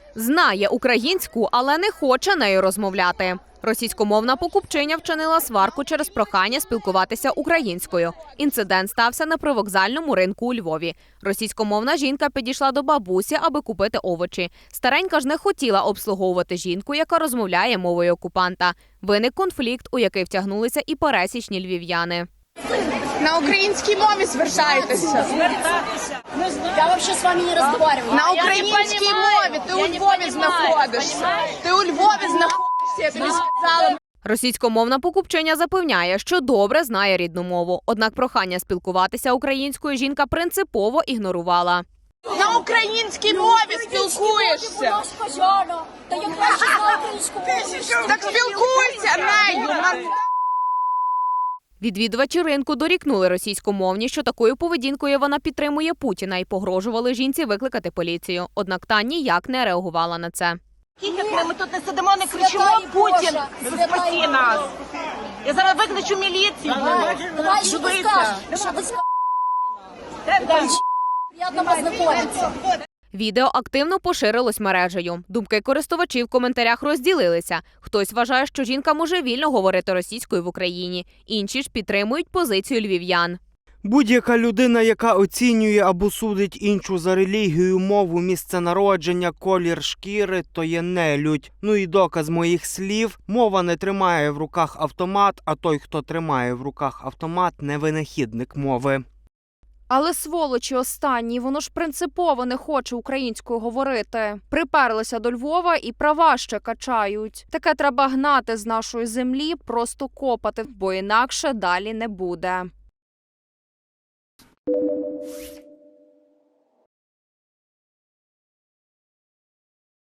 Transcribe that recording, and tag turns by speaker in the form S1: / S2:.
S1: Знає українську, але не хоче нею розмовляти. Російськомовна покупчиня вчинила сварку через прохання спілкуватися українською. Інцидент стався на привокзальному ринку у Львові. Російськомовна жінка підійшла до бабусі, аби купити овочі. Старенька ж не хотіла обслуговувати жінку, яка розмовляє мовою окупанта. Виник конфлікт, у який втягнулися і пересічні львів'яни.
S2: На українській мові звертайтеся.
S3: Я взагалі з вами не розмовляю.
S2: На українській мові. Ти у Львові знаходишся. Ти у Львові знаходишся, я тобі сказала.
S1: Російськомовна покупчиня запевняє, що добре знає рідну мову. Однак прохання спілкуватися українською жінка принципово ігнорувала.
S2: На українській мові спілкуєшся.
S3: Та я краще знаю українську мову.
S2: Так спілкуйся нею.
S1: Відвідувачі ринку дорікнули російськомовні, що такою поведінкою вона підтримує Путіна і погрожували жінці викликати поліцію. Однак та ніяк не реагувала на це.
S4: Ми тут не сидимо, не кричимо «Путін, спаси нас». Я зараз викличу міліцію.
S3: Давай, що ви скажете? Що ви скажете? Приємно познайомитися.
S1: Відео активно поширилось мережею. Думки користувачів в коментарях розділилися. Хтось вважає, що жінка може вільно говорити російською в Україні. Інші ж підтримують позицію львів'ян.
S5: Будь-яка людина, яка оцінює або судить іншу за релігію, мову, місце народження, колір шкіри, то є нелюдь. Ну і доказ моїх слів – мова не тримає в руках автомат, а той, хто тримає в руках автомат – не винахідник мови.
S6: Але сволочі останні, воно ж принципово не хоче українською говорити. Приперлися до Львова і права ще качають. Таке треба гнати з нашої землі, просто копати, бо інакше далі не буде.